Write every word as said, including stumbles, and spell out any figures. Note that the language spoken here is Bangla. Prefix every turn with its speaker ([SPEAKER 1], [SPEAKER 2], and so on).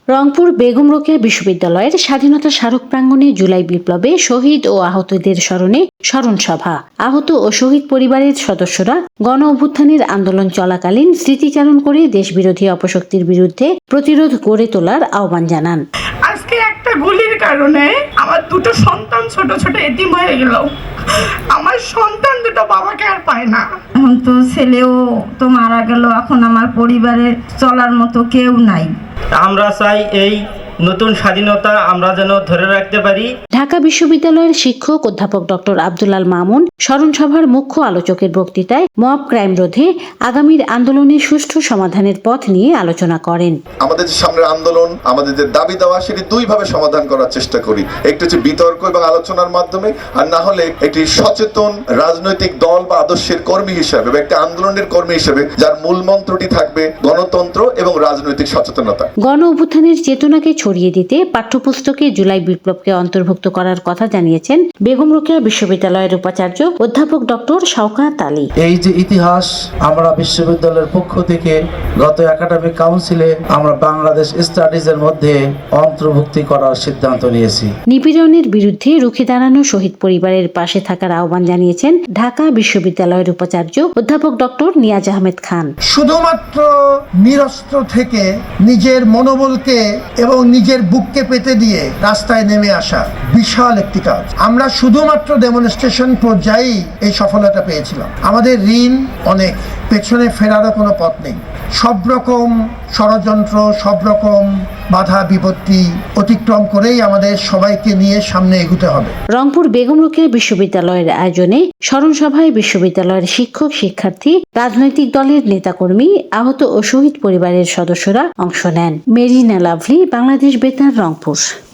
[SPEAKER 1] রংপুর বেগম রোকেয়া বিশ্ববিদ্যালয়ের স্বাধীনতা স্মারক প্রাঙ্গণে জুলাই বিপ্লবে শহীদ ও আহতদের স্মরণে স্মরণ সভা। আহত ও শহীদ পরিবারের সদস্যরা গণ অভ্যুত্থানের আন্দোলন চলাকালীন স্মৃতিচারণ করে দেশবিরোধী অপশক্তির বিরুদ্ধে প্রতিরোধ গড়ে তোলার আহ্বান জানান।
[SPEAKER 2] আজকে একটা গুলির কারণে আমার দুটো সন্তান ছোট ছোট এতিম হয়ে গেল। আমার সন্তান দুটো বাবাকে আর পায় না।
[SPEAKER 3] এখন তো ছেলেও তো মারা গেল, এখন আমার পরিবারে চলার মতো কেউ নাই।
[SPEAKER 4] আমরা চাই এই নতুন স্বাধীনতা আমরা যেন ধরে রাখতে পারি।
[SPEAKER 1] ঢাকা বিশ্ববিদ্যালয়ের শিক্ষক অধ্যাপক ডক্টর আব্দুল আল মামুন স্মরণ সভার মুখ্য আলোচকের বক্তৃতায় মব ক্রাইম রোধে আগামীর আন্দোলনের সুষ্ঠু সমাধানের পথ নিয়ে আলোচনা করেন।
[SPEAKER 5] আমাদের যে সামনের আন্দোলন, আমাদের যে দাবি দেওয়া, সেটি দুই ভাবে সমাধান করার চেষ্টা করি। একটি হচ্ছে বিতর্ক এবং আলোচনার মাধ্যমে, আর না হলে একটি সচেতন রাজনৈতিক দল বা আদর্শের কর্মী হিসাবে বা একটি আন্দোলনের কর্মী হিসেবে যার মূল মন্ত্রটি থাকবে গণতন্ত্র এবং রাজনৈতিক সচেতনতা।
[SPEAKER 1] গণ অভ্যুত্থানের চেতনাকে ছড়িয়ে দিতে পাঠ্যপুস্তকে জুলাই বিপ্লবকে অন্তর্ভুক্ত করার কথা জানিয়েছেন বেগম রোকেয়া বিশ্ববিদ্যালয়ের উপাচার্য অধ্যাপক ডক্টর শওকত আলী।
[SPEAKER 6] এই যে ইতিহাস আমরা বিশ্ববিদ্যালয়ের পক্ষ থেকে গত একাডেমিক কাউন্সিলে আমরা বাংলাদেশ স্টাডিজের মধ্যে অন্তর্ভুক্তি করার সিদ্ধান্ত নিয়েছি।
[SPEAKER 1] নিপীড়নের বিরুদ্ধে রুখে দাঁড়ানো শহীদ পরিবারের পাশে থাকার আহ্বান জানিয়েছেন ঢাকা বিশ্ববিদ্যালয়ের উপাচার্য অধ্যাপক ডক্টর নিয়াজ আহমেদ খান।
[SPEAKER 7] শুধুমাত্র নিরস্ত্র থেকে নিজের মনোবলকে এবং নিজের বুককে পেতে দিয়ে রাস্তায় নেমে আসা বিশাল একটি কাজ। আমরা শুধুমাত্র ডেমনস্ট্রেশন পর্যায়েই এই সফলতা পেয়েছিলাম। আমাদের ঋণ অনেক, পেছনে ফেরারও কোনো পথ নেই। সব রকম ষড়যন্ত্র, সব রকম বাধা বিপত্তি অতিক্রম করেই আমাদের সবাইকে নিয়ে সামনে এগোতে হবে।
[SPEAKER 1] রংপুর বেগম রোকেয়া বিশ্ববিদ্যালয়ের আয়োজনে স্মরণ সভায় বিশ্ববিদ্যালয়ের শিক্ষক শিক্ষার্থী, রাজনৈতিক দলের নেতাকর্মী, আহত ও শহীদ পরিবারের সদস্যরা অংশ নেন। মেরিনা লাভলি, বাংলাদেশ বেতার, রংপুর।